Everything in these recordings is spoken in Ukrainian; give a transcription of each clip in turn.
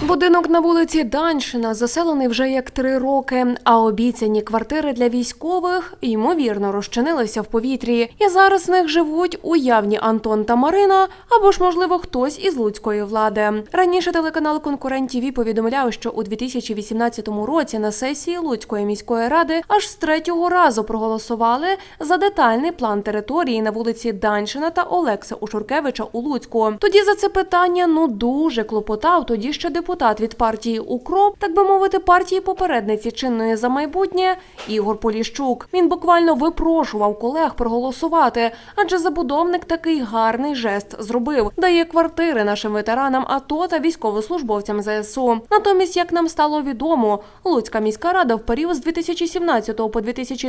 Будинок на вулиці Даньшина заселений вже як 3 роки, а обіцяні квартири для військових, ймовірно, розчинилися в повітрі. І зараз в них живуть уявні Антон та Марина, або ж, можливо, хтось із луцької влади. Раніше телеканал «Конкурент ТВ» повідомляв, що у 2018 році на сесії Луцької міської ради аж з 3-го разу проголосували за детальний план території на вулиці Даньшина та Олекса Ушуркевича у Луцьку. Тоді за це питання, дуже клопотав тоді ще депутат від партії «УКРОП», так би мовити, партії попередниці чинної «За майбутнє» Ігор Поліщук. Він буквально випрошував колег проголосувати, адже забудовник такий гарний жест зробив. Дає квартири нашим ветеранам АТО та військовослужбовцям ЗСУ. Натомість, як нам стало відомо, Луцька міська рада в період з 2017 по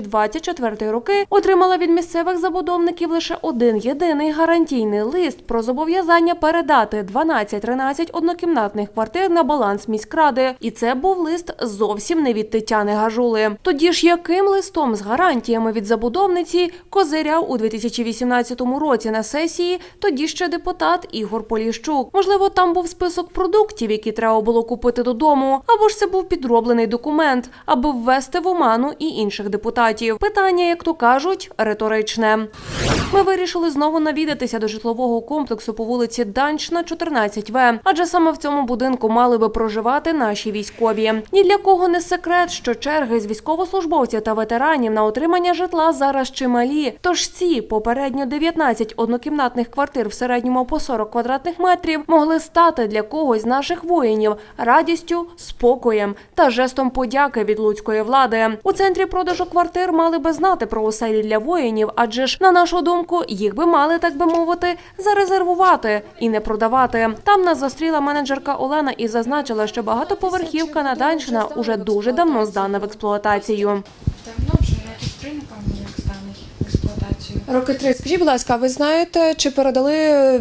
2024 роки отримала від місцевих забудовників лише один єдиний гарантійний лист про зобов'язання передати 12-13 однокімнатних квартир на баланс міськради. І це був лист зовсім не від Тетяни Гажули. Тоді ж яким листом з гарантіями від забудовниці козиряв у 2018 році на сесії тоді ще депутат Ігор Поліщук? Можливо, там був список продуктів, які треба було купити додому, або ж це був підроблений документ, аби ввести в оману і інших депутатів. Питання, як то кажуть, риторичне. Ми вирішили знову навідатися до житлового комплексу по вулиці Даньшина, 14В, адже саме в цьому будинку мали би проживати наші військові. Ні для кого не секрет, що черги з військовослужбовців та ветеранів на отримання житла зараз чималі. Тож ці попередньо 19 однокімнатних квартир в середньому по 40 квадратних метрів могли стати для когось з наших воїнів радістю, спокоєм та жестом подяки від луцької влади. У центрі продажу квартир мали би знати про оселі для воїнів, адже ж, на нашу думку, їх би мали, так би мовити, зарезервувати і не продавати. Там нас зустріла менеджерка Олена і зазначила, що багатоповерхівка на Даньшина уже дуже давно здана в експлуатацію. Давно вже роки 3, напевно, як здана в експлуатацію. Роки 3. Скажіть, будь ласка, ви знаєте, чи передали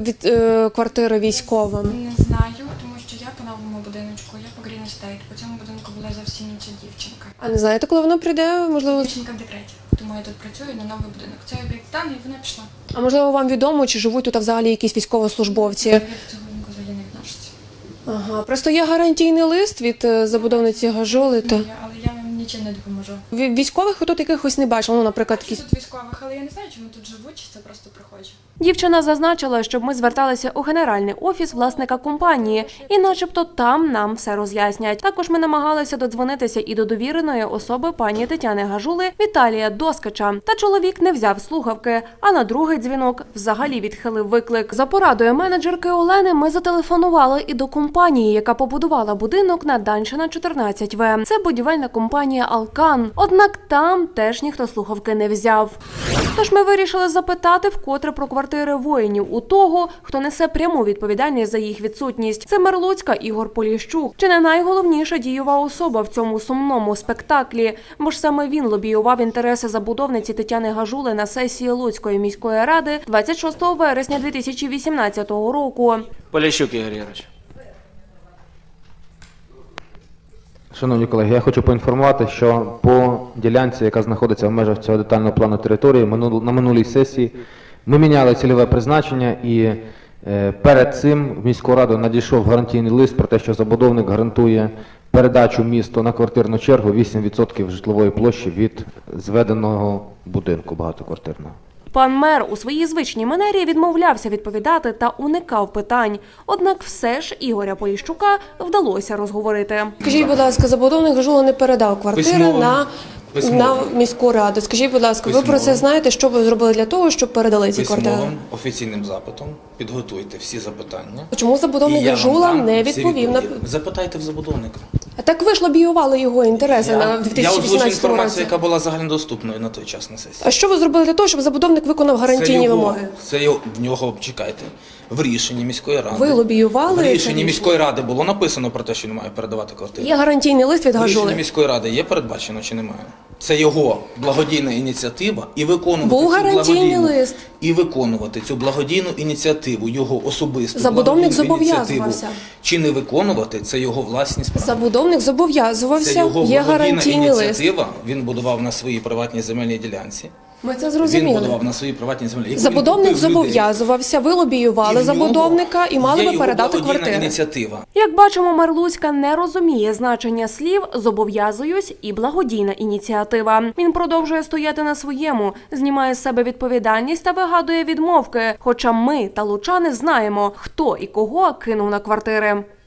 квартири військовим? Не знаю, тому що я по новому будиночку, я по Green Estate. По цьому будинку була зовсім інша дівчинка. А не знаєте, коли вона прийде? Можливо, Дівчинка в декреті, тому я тут працюю на новий будинок. Цей об'єкт зданий, і вона пішла. а можливо вам відомо, чи живуть тут взагалі якісь військовослужбовці? Я до цього будинку взагалі не відношуся. Ага, просто є гарантійний лист від забудовниці Гажули. То Але я вам нічим не допоможу. військових ви тут якихось не бачили, ну, наприклад, Бачу якісь. тут військових, але я не знаю, чи вони тут живуть, чи це просто приходять. Дівчина зазначила, щоб ми зверталися у генеральний офіс власника компанії, і начебто там нам все роз'яснять. Також ми намагалися додзвонитися і до довіреної особи пані Тетяни Гажули Віталія Доскача. Та чоловік не взяв слухавки, а на другий дзвінок взагалі відхилив виклик. За порадою менеджерки Олени ми зателефонували і до компанії, яка побудувала будинок на Даньшина, 14В. Це будівельна компанія «Алкан». Однак там теж ніхто слухавки не взяв. Тож ми вирішили запитати вкотре про квартири воїнів у того, хто несе пряму відповідальність за їх відсутність. Це мер Луцька Ігор Поліщук. Чи не найголовніша дієва особа в цьому сумному спектаклі? Бо ж саме він лобіював інтереси забудовниці Тетяни Гажули на сесії Луцької міської ради 26 вересня 2018 року. Поліщук Ігор Ігорович. Шановні колеги, я хочу поінформувати, що по ділянці, яка знаходиться в межах цього детального плану території, на минулій сесії ми міняли цільове призначення і перед цим в міську раду надійшов гарантійний лист про те, що забудовник гарантує передачу місту на квартирну чергу 8% житлової площі від зведеного будинку багатоквартирного. Пан мер у своїй звичній манері відмовлявся відповідати та уникав питань. Однак все ж Ігоря Поліщука вдалося розговорити. Скажіть, будь ласка, забудовник Гажула не передав квартири Письмово. на міську раду. Скажіть, будь ласка, ви про це знаєте, що ви зробили для того, щоб передали ці квартири? Письмовим офіційним запитом підготуйте всі запитання. Чому забудовник І я вам Гажула дам не всі відповів на... відповіді. Запитайте в забудовника. А так ви ж лобіювали його інтереси на Я озвучу 2018 інформацію, році. яка була загальнодоступною на той час на сесії. А що ви зробили для того, щоб забудовник виконав гарантійні вимоги? Це його, в нього, чекайте, в рішенні міської ради. Ви лобіювали В це рішенні рішення? міської ради було написано про те, що він має передавати квартири. Є гарантійний лист від В рішенні Гажули. міської ради є передбачено чи немає? Це його благодійна ініціатива і виконувати Був цю гарантійний благодійну лист. і виконувати цю благодійну ініціативу, його особисту Забудовник благодійну ініціативу, зобов'язувався. чи не виконувати, це його власні справи. Забудовник Це зобов'язувався, його є благодійна гарантійний лист. ініціатива. Він будував на своїй приватній земельній ділянці. Ми це Він зрозуміли. будував на своїй приватній землі. Яку він Забудовник купив людей. зобов'язувався, ви лобіювали І в нього забудовника і мали є би його передати благодійна квартири. ініціатива. Як бачимо, мер Луцька не розуміє значення слів «зобов'язуюсь» і «благодійна ініціатива». Він продовжує стояти на своєму, знімає з себе відповідальність та вигадує відмовки. Хоча ми та лучани знаємо, хто і кого кинув на квартири.